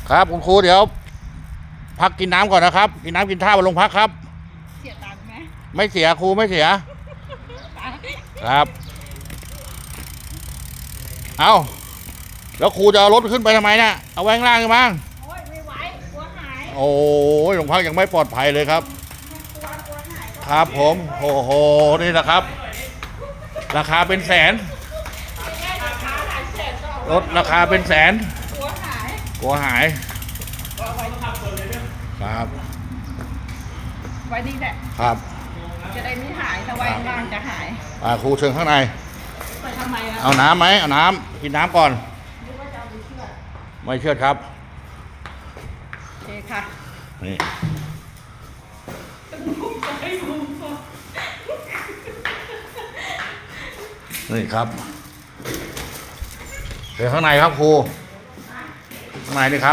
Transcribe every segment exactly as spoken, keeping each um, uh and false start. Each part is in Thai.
ครับคุณครูเดี๋ยวพักกินน้ำก่อนนะครับกินน้ำกินท่าบนโรงพักครับเสียตังค์ไหมไม่เสียครูไม่เสียครับเอาแล้วครูจะเอารถขึ้นไปทำไมเนี่ยเอาไว้ข้างล่างกันมั้งโอ้ยไม่ไหวกลัวหายโอ้ยโรงพักยังไม่ปลอดภัยเลยครับกลัวกลัวหายครับผมโอ้โหนี่นะครับราคาเป็นแสนรถราคาเป็นแสนกลัวหายกลัวหายครับไว้นี่แหละครับจะได้ไม่หายถ้าไว้ข้างล่างจะหายอ่าครูเชิญข้างในไปทำไมล่ะเอาน้ำไหมเอาน้ำกินน้ำก่อนไม่เชื่อครับโอเคค่ะนี่นี่ครับเดี๋ยวข้างในครับครูข้างในนี่ครับ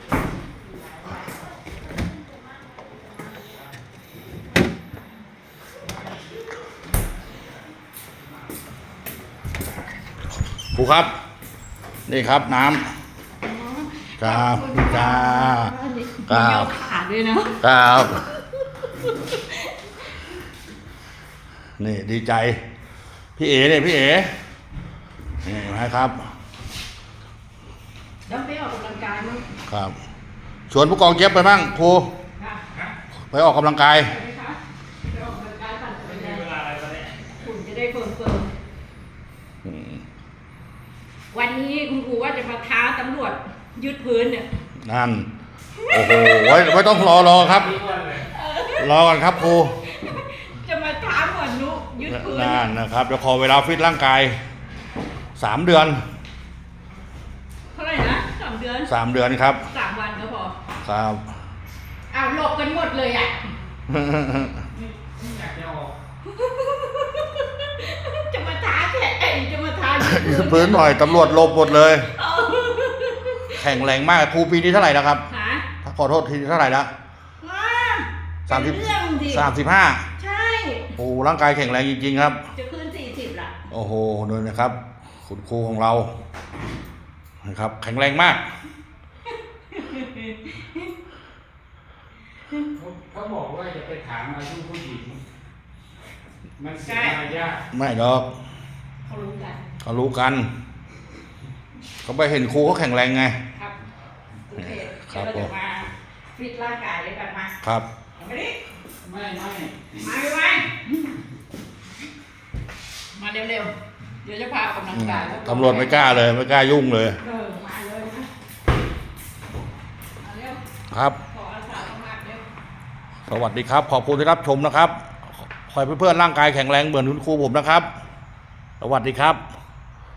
ครูครับนี่ครับน้ำครับจ้าครับขาดด้วยนะครับนี่ดีใจพี่เอ๋เนี่ยพี่เอ๋นี่นะครับแล้วไปออกกำลังกายมั้งครับชวนผู้กองเจี๊ยบไปบ้างครูไปออกกำลังกายไปออกกำลังกายปั่นจักรยานคุณจะได้เฟิร์มเฟิร์มวันนี้คุณครูว่าจะมาท้าตำรวจยึดพื้นเนี่ยนั่นโอ้โหไว้ไม่ต้องรอรอครับรอก่อนครับครูจะมาท้าหมวดนุยึดพื้นนั่นนะครับเดี๋ยวขอเวลาฟิตร่างกายสามเดือนเท่าไหร่นะสามเดือนสามเดือนครับสามวันก็พอครับอ้าวหลบกันหมดเลยอ่ะจะมาท้าแข่จะมาท้ายืดพื้นหน่อยตำรวจหลบหมดเลยแข็งแรงมากครูปีนี้เท่าไหร่นะครับขอโทษทีเท่าไหร่นะสามสิบสามสิบห้าใช่โอ้ร่างกายแข็งแรงจริงๆครับจะขึ้นสี่สิบละโอ้โหดูนะครับคุณครูของเรานะครับแข็งแรงมากเขาบอกว่าจะไปถามอายุผู้หญิงมันเสียมารยาทไม่หรอกเขารู้กันเขารู้กันเขาไปเห็นครูเขาแข็งแรงไงครับโอเคเราจะมาฟิตร่างกายด้วยกันมาครับมาดิไม่ไม่มาไปไปมาเร็วๆเดี๋ยวจะพาออกกำลังกายตำรวจไม่กล้าเลยไม่กล้ายุ่งเลยเออมาเลยนะมาเร็วครับขออาสาสมัครเร็วสวัสดีครับขอบคุณที่รับชมนะครับขอให้เพื่อนๆร่างกายแข็งแรงเหมือนคุณครูผมนะครับสวัสดีครับ